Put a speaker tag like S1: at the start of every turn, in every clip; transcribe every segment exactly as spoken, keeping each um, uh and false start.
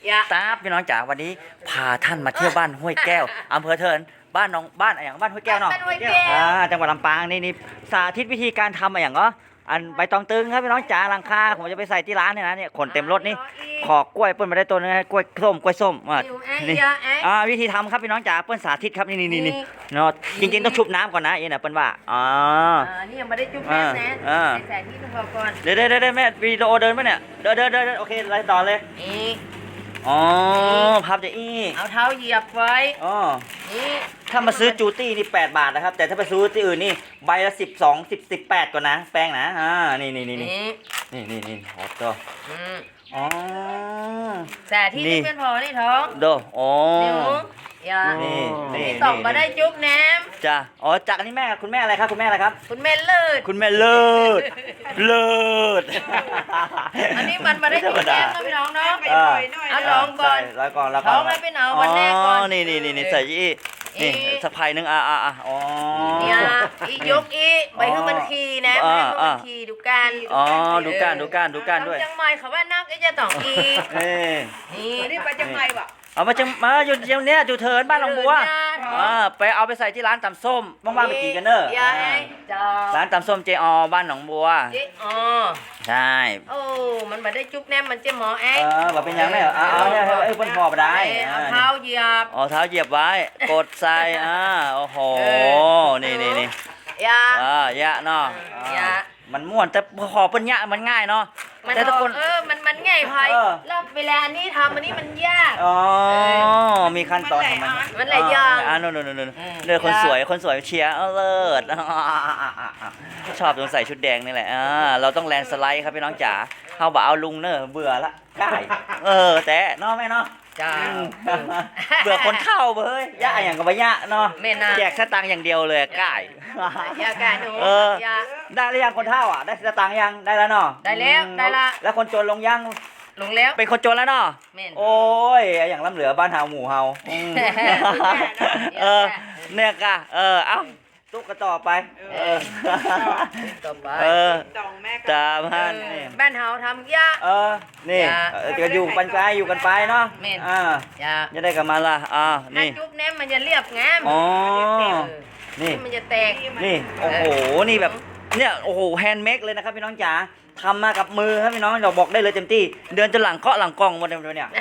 S1: ยะ
S2: ตาบพี่น้องจ๋าวันนี้พาท่านมาเที่ยวบ้านห้วยแก้วอำเภอเทินบ้านน้องบ้านอะไรอย่างบ้านห้วยแก้วเนาะ
S1: บ้านห้วยแก้ว
S2: อ่าจังหวัดลำปางนี่นี่สาธิตวิธีการทำอะไรอย่างเนาะอันใบตองตึงครับพี่น้องจ๋าหลังคาผมจะไปใส่ที่ร้านเนี่ยนะเนี่ยขนเต็มรถนี่ขอกกล้วยเปิ้ลมาได้ตัวนึงนะกล้วยส้มกล้วยส้มอ่ะ
S1: อยู่ไอ้
S2: นี่
S1: ยะไอ้
S2: อ่าวิธีทำครับพี่น้องจ๋าเปิ้ลสาธิตครับนี่นี่นี่นี่เนาะจริงๆต้องชุบน้ำก่อนนะเอ็นะเปิ้ลว่าอ๋อ
S1: อ่านี่ยังไม่ได้จุ๊บแม่นะ
S2: อ่า
S1: ใส่ที่นึงพอก่อน
S2: เดี๋ยวเดี๋ยวเดี๋ยวแม่วิดีโอเดินปะเนี่ยเดินเดินเดินเดินโอเคไล่ต่อเลย
S1: นี่
S2: อ๋อพับจะอี้
S1: เอาเท้าเหยียบไว้
S2: อ๋อ
S1: นี่
S2: ถ้ามาซื้อจูตี้นี่แปดบาทนะครับ แต่ถ้าไปซื้อที่อื่นนี่ใบละสิบสองสิบสิบแปดก่อนนะ แป้งนะอ่านี่นี่นี่นี่
S1: นี่
S2: นี่นี่นี่โอ้ตัว
S1: อืม
S2: อ๋อ
S1: แต่ที่
S2: นี่
S1: นี่เป็นพอนี่ท้อง
S2: โดโอ้
S1: นิ้วอย่า
S2: นี่นี่
S1: นี่ต้องมาได้จุ๊บแหนม
S2: จ้ะอ๋อจากอันนี้แม่คุณแม่อะไรครับคุณแม่อะไรครับ
S1: คุณแม่เลิศ
S2: คุณแม่เลิศเลิศ
S1: อันนี้มันมาได้จุ๊บแหนมนะพี่น้องเนาะ
S2: อ่า
S1: เอาลองก่อน
S2: ใส่ร้อยก่อนแล้วก่
S1: ท้
S2: อ
S1: อน งไม่เป็นเอาวันแรกก่อน
S2: นี่นี่นี่นี่ใส่ยี่นี่
S1: อี
S2: สักไผ่หนึ่งอ่ะอ่ะอ่ะอ๋อ
S1: เนี่ยอียกอีไปให้มันขี่นะ
S2: อ่า
S1: ให้มัน
S2: อ่า
S1: ขี่ดูกัน
S2: อ๋อดูก้านดูก้านดูก้านด้วย
S1: จังไม่เขาว่านักก็จะต้องอี
S2: เอ้ย
S1: นี่
S3: นี่ไปจังไงวะ
S2: เอามาจังมาอยู่เดี๋ยวเนี้ยอยู่เทินบ้านหนองบัว
S1: เดินหน้าท้อง
S2: อ่าไปเอาไปใส่ที่ร้านตำส้มว่างๆไปกินกันเนอะ
S1: ยายจอ
S2: ร้านตำส้มเจอบ้านหนองบัว
S1: เจ๊อ๋อ
S2: ใช่
S1: โอ้มันมาได้จุ๊บแนมมันเจ๊หมอแอ๊
S2: เออแบบเป็นยังไงเหรอเอาเอาเนี่ยไอ้ยเพิ่นพอไปได้
S1: เอา
S2: อ่า
S1: เท้าเหยียบ
S2: อ๋อเท้าเหยียบไว้ กดใส่อ่าโอ้โห
S1: เอ
S2: นี่นี่นี่
S1: ยา
S2: อ่ายะเนาะ
S1: ยะ
S2: มันม่วนแต่ขอเป็นยะมันง่ายเนาะ
S1: มัน
S2: แต่ทุกคน
S1: เออมันมันง่ายไพ
S2: เออ
S1: แล้วเวลาอันนี้ทำอันนี้มันยาก
S2: อ๋อมีขั้นตอนของมัน
S1: มันหลายอย่าง
S2: อ่าโน่นโน่นโน่น
S1: อืม
S2: เลือคน
S1: ยาก
S2: สวยคนสวยเชียร์เอาเลิศชอบตรงใส่ชุดแดงนี่แหละอ่าเราต้องแลนสไลด์ครับพี่น้องจ๋าเขาบอกเอาลุงเนอะเบื่อละได้เออแต่เนาะแม่เนาะ
S1: จ้า
S2: เบื่อคนเข้าเบ้ยยะอย่างกับว่ายะเนาะ
S1: แม่น่ะ
S2: แจกสตังค์อย่างเดียวเลยก่าย
S1: ยากาหนู
S2: เออ
S1: ยา
S2: ได้หรือยังคนเท่าอ่ะได้สตังค์ยังได้แล้วเนาะ
S1: ได้แล้ว
S2: อืม
S1: ได้ละ
S2: แล้วคนจนลงยัง
S1: ลงแล้ว
S2: เป็นคนจนแล้วเนาะ
S1: แม่น
S2: โอ้ยอย่างล้ำเหลือบ้านเฮาหมู่เฮาอืมเออเนี่ยกะเออเอ้าตุ๊กกระต่อไปเออ
S1: ต่อไป
S2: เออ
S3: ตองแม่
S2: ตา
S1: เอ
S2: พัน
S1: อ
S2: นี่
S1: บ้านเฮาทำยาก
S2: เออนี่
S1: อย่า
S2: เออจะอยู่กันไปอยู่กันไปเนาะ
S1: แม่น
S2: อ่า
S1: ยาก
S2: จะได้กลับมาละอ่า
S1: ถ้า
S2: นี่
S1: จุ๊บแนมมันจะเรียบงาม
S2: อ๋อ
S1: เออ
S2: นี่
S1: มันจะแตก
S2: นี่โอ้โหนี่แบบเนี่ยโอ้โหแฮนด์เมดเลยนะครับพี่น้องจ๋าทำมากับมือครับพี่น้องเราบอกได้เลยเต็มที่เดินจนหลังเคาะหลังกล้องหมดเลยเนี่ย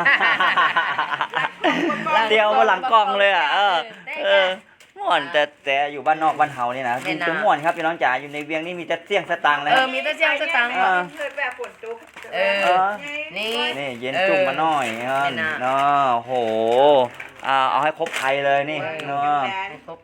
S2: เดียวมาหลังกล้องเลยอ่ะเออเออม่วนแต่แต่อยู่บ้านนอกบ้านเฮานี่นะจริงๆม่วนครับพี่น้องจ๋าอยู่ในเวียงนี่มีแต่เสี่ยงสตังค์เลย
S1: เออมีแต่เสียงสตังค์
S2: เออ
S3: เกิดแบบฝนตก
S1: เออ นี่
S2: นี่เย็นจุ่มมาหน่อยเออ
S1: แม่น่ะ
S2: เนาะโอ้โหอ่าเอาให้ครบไทยเลยนี่เนาะ
S1: ให้ครบ